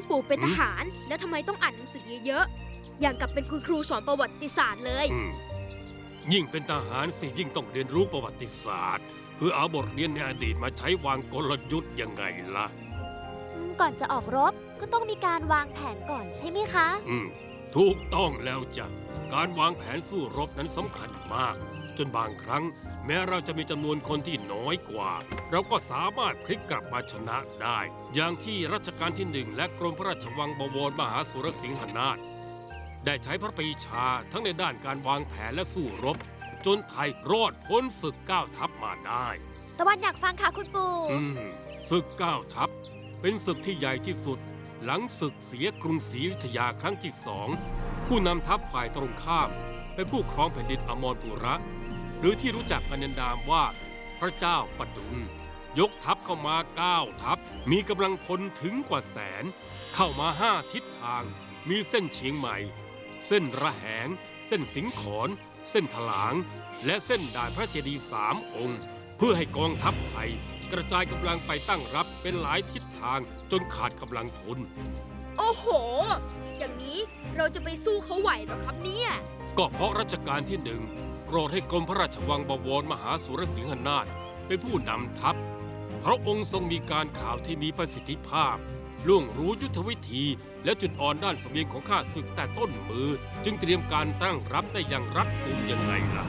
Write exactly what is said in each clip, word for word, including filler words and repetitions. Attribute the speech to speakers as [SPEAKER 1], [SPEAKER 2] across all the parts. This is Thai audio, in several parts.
[SPEAKER 1] ปู่เป็นทหารแล้วทำไมต้องอ่านหนังสือเยอะๆอย่างกับเป็นคุณครูสอนประวัติศาสตร์เลย
[SPEAKER 2] ยิ่งเป็นทหารสิยิ่งต้องเรียนรู้ประวัติศาสตร์เพื่อเอาบทเรียนในอดีตมาใช้วางกลยุทธ์ยังไงล่ะ
[SPEAKER 3] ก่อนจะออกรบก็ต้องมีการวางแผนก่อนใช่ไหมคะ
[SPEAKER 2] อืมถูกต้องแล้วจ้ะการวางแผนสู้รบนั้นสำคัญมากจนบางครั้งแม้เราจะมีจำนวนคนที่น้อยกว่าเราก็สามารถพลิกกลับมาชนะได้อย่างที่รัชกาลที่หนึ่งและกรมพระราชวังบวรมหาสุรสิงหนาถได้ใช้พระปรีชาทั้งในด้านการวางแผนและสู้รบจนไทยรอดพ้นศึกเก้าทัพมาได้
[SPEAKER 3] ตะวันอยากฟังค่ะคุณปู่
[SPEAKER 2] อืมศึกเก้าทัพเป็นศึกที่ใหญ่ที่สุดหลังศึกเสียกรุงศรีอยุธยาครั้งที่สองผู้นำทัพฝ่ายตรงข้ามเป็นผู้ครองแผ่นดินอมรปุระหรือที่รู้จักกันในนามว่าพระเจ้าปดุลยกทัพเข้ามาเก้าทัพมีกำลังพลถึงกว่าแสนเข้ามาห้าทิศทางมีเส้นเชียงใหม่เส้นระแหงเส้นสิงขรเส้นถลางและเส้นด่านพระเจดีย์สามองค์เพื่อให้กองทัพไทยกระจายกำลังไปตั้งรับเป็นหลายทิศทางจนขาดกำลังพล
[SPEAKER 1] โอ้โหอย่างนี้เราจะไปสู้เขาไหวหรอครับเนี่ย
[SPEAKER 2] ก็เพราะรัชกาลที่หนึ่งโปรดให้กรมพระราชวังบวรมหาสุรสิงหนาถเป็นผู้นำทัพพระองค์ทรงมีการข่าวที่มีประสิทธิภาพล่วงรู้ยุทธวิธีและจุดอ่อนด้านเสบียงของข้าศึกแต่ต้นมือจึงเตรียมการตั้งรับได้อย่างรัดกุมยังไงล่ะ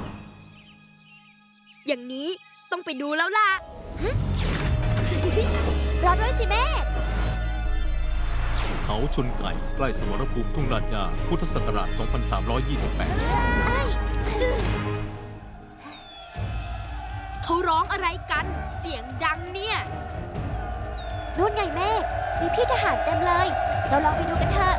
[SPEAKER 1] อย่างนี้ต้องไปดูแล้วล่ะ
[SPEAKER 3] รอด้วยสิแม่
[SPEAKER 4] เขาชนไก่ใกล้สมรภูมิทุ่งลาดยาพุทธศักราช สองพันสามร้อยยี่สิบแปด
[SPEAKER 1] เขาร้องอะไรกันเสียงดังเนี่ย
[SPEAKER 3] นู่นไงแม่มีพี่ทหารเต็มเลยเราลองไปดูกันเถอะ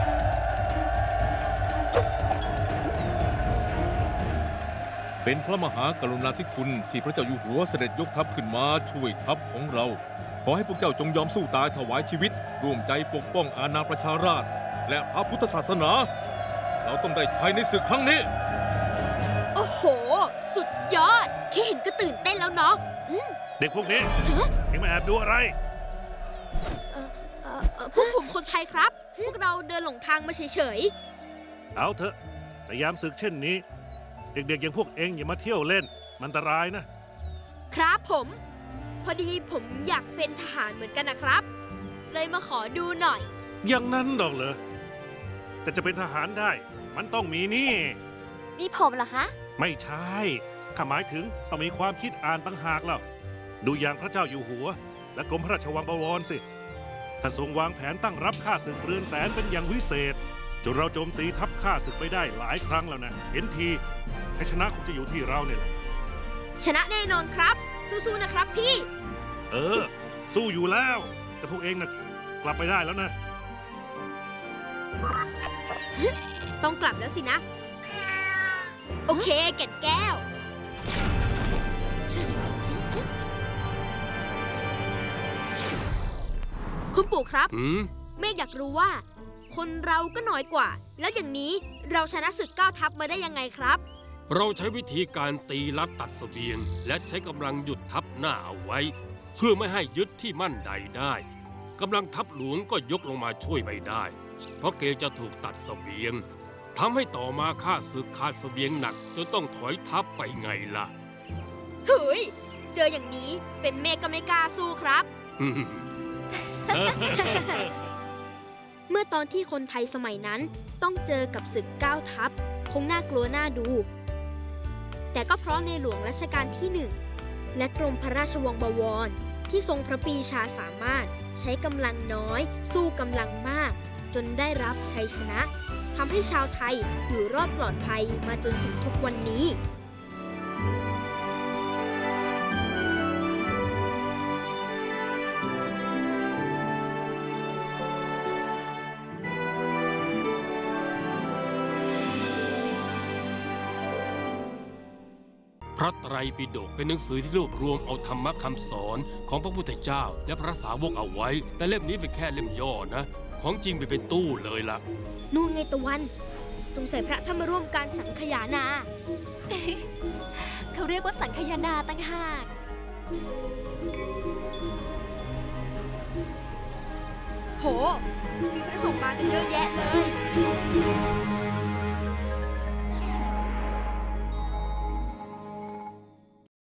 [SPEAKER 4] เป็นพระมหากรุณาธิคุณที่พระเจ้าอยู่หัวเสด็จยกทัพขึ้นมาช่วยทัพของเราขอให้พวกเจ้าจงยอมสู้ตายถวายชีวิตร่วมใจปกป้องอาณาประชาราษฎร์และพระพุทธศาสนาเราต้องได้ชัยในศึกครั้งนี้
[SPEAKER 1] โอ้โหสุดยอดแค่เห็นก็ตื่นเต้นแล้วเนาะ
[SPEAKER 5] เด็กพวกนี้ยังมาแอบดูอะไร
[SPEAKER 1] พวกผมคนไทยครับพวกเราเดินหลงทางมาเฉย
[SPEAKER 5] ๆเอาเถอะแต่ยามศึกเช่นนี้เด็กๆอย่างพวกเองอย่ามาเที่ยวเล่นมันอันตรายนะครับ
[SPEAKER 1] ผมพอดีผมอยากเป็นทหารเหมือนกันนะครับเลยมาขอดูหน่อย
[SPEAKER 5] อย่างนั้นหรอกเหรอแต่จะเป็นทหารได้มันต้องมีนี่
[SPEAKER 3] มีผมเหรอคะ
[SPEAKER 5] ไม่ใช่ข้าหมายถึงต้องมีความคิดอ่านต่างหากแล้วดูอย่างพระเจ้าอยู่หัวและกรมพระราชวังบวรสิท่านทรงวางแผนตั้งรับข้าศึกเรือนแสนเป็นอย่างวิเศษจนเราโจมตีทัพข้าศึกไปได้หลายครั้งแล้วนะเห็นทีให้ชนะคงจะอยู่ที่เราเนี่ยแหละ
[SPEAKER 1] ชนะแน่นอนครับสู้ๆนะครับพี่
[SPEAKER 5] เออสู้อยู่แล้วแต่พวกเองน่ะกลับไปได้แล้วนะ
[SPEAKER 1] ต้องกลับแล้วสินะโอเคแก่นแก้วคุณปู่ครับเมฆอยากรู้ว่าคนเราก็น้อยกว่าแล้วอย่างนี้เราชนะศึกเก้าทัพมาได้ยังไงครับ
[SPEAKER 2] เราใช้วิธีการตีลัดตัดเสบียงและใช้กำลังหยุดทัพหน้าเอาไว้เพื่อไม่ให้ยึดที่มั่นใดได้กำลังทัพหลวงก็ยกลงมาช่วยไม่ได้เพราะเกรงจะถูกตัดเสบียงทำให้ต่อมาข้าศึกขาดเสบียงหนักจนต้องถอยทัพไปไงล่ะ
[SPEAKER 1] เฮ้ยเจออย่างนี้เป็นเมฆก็ไม่กล้าสู้ครับ เมื่อตอนที่คนไทยสมัยนั้นต้องเจอกับศึกเก้าทัพคงน่ากลัวน่าดูแต่ก็เพราะในหลวงรัชกาลที่หนึ่งและกรมพระราชวังบวรที่ทรงพระปรีชาสามารถใช้กำลังน้อยสู้กำลังมากจนได้รับชัยชนะทำให้ชาวไทยอยู่รอดปลอดภัยมาจนถึงทุกวันนี้
[SPEAKER 2] พระไตรปิฎกเป็นหนังสือที่รวบรวมเอาธรรมะคำสอนของพระพุทธเจ้าและพระสาวกเอาไว้แต่เล่มนี้เป็นแค่เล่มย่อนะของจริงไปเป็นตู้เลยล่ะ
[SPEAKER 1] นู่นไงตะวันสงสัยพระท่านมาร่วมการสังคายนา
[SPEAKER 3] เขาเรียกว่าสังคายนาต่างหาก
[SPEAKER 1] โหมีพระสงฆ์มากันเยอะแยะเลย